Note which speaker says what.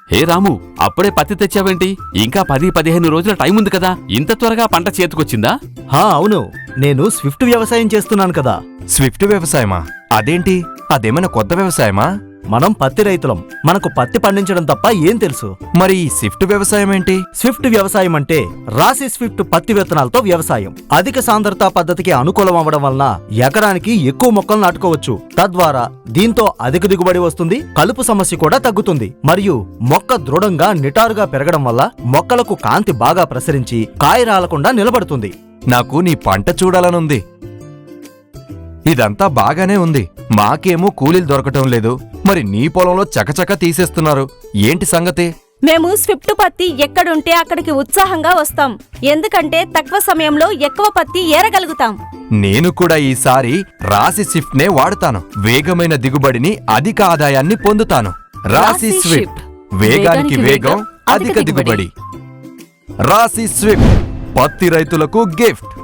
Speaker 1: హే రాము, అప్పుడే పత్తి తెచ్చావేంటి? ఇంకా 10-15 రోజుల టైం ఉంది కదా, ఇంత త్వరగా పంట చేతికొచ్చిందా?
Speaker 2: అవును, నేను స్విఫ్ట్ వ్యవసాయం చేస్తున్నాను కదా.
Speaker 3: స్విఫ్ట్ వ్యవసాయమా? అదేంటి? అదేమైనా కొత్త వ్యవసాయమా?
Speaker 2: మనం పత్తి రైతులం, మనకు పత్తి పండించడం తప్ప ఏం తెలుసు?
Speaker 3: మరి ఈ స్విఫ్ట్ వ్యవసాయం ఏంటి?
Speaker 2: స్విఫ్ట్ వ్యవసాయం అంటే రాశి స్విఫ్ట్ పత్తి విత్తనాలతో వ్యవసాయం. అధిక సాంద్రతా పద్ధతికి అనుకూలం అవ్వడం వలన ఎకరానికి ఎక్కువ మొక్కలు నాటుకోవచ్చు. తద్వారా దీంతో అధిక దిగుబడి వస్తుంది, కలుపు సమస్య కూడా తగ్గుతుంది. మరియు మొక్క దృఢంగా నిటారుగా పెరగడం వల్ల మొక్కలకు కాంతి బాగా ప్రసరించి కాయ రాలకుండా నిలబడుతుంది.
Speaker 3: నాకు నీ పంట చూడాలనుంది. ఇదంతా బాగానే ఉంది, మాకేమో కూలీలు దొరకటం లేదు. మరి నీ పొలంలో చకచక తీసేస్తున్నారు, ఏంటి సంగతి?
Speaker 4: మేము స్విఫ్ట్ పత్తి ఎక్కడుంటే అక్కడికి ఉత్సాహంగా వస్తాం, ఎందుకంటే తక్కువ సమయంలో ఎక్కువ పత్తి ఏరగలుగుతాం.
Speaker 3: నేను కూడా ఈసారి రాశి స్విఫ్ట్ నే వాడుతాను. వేగమైన దిగుబడిని, అధిక ఆదాయాన్ని పొందుతాను. రాశి స్విఫ్ట్, వేగానికి వేగం, అధిక దిగుబడి. రాశి స్విఫ్ట్, పత్తి రైతులకు గిఫ్ట్.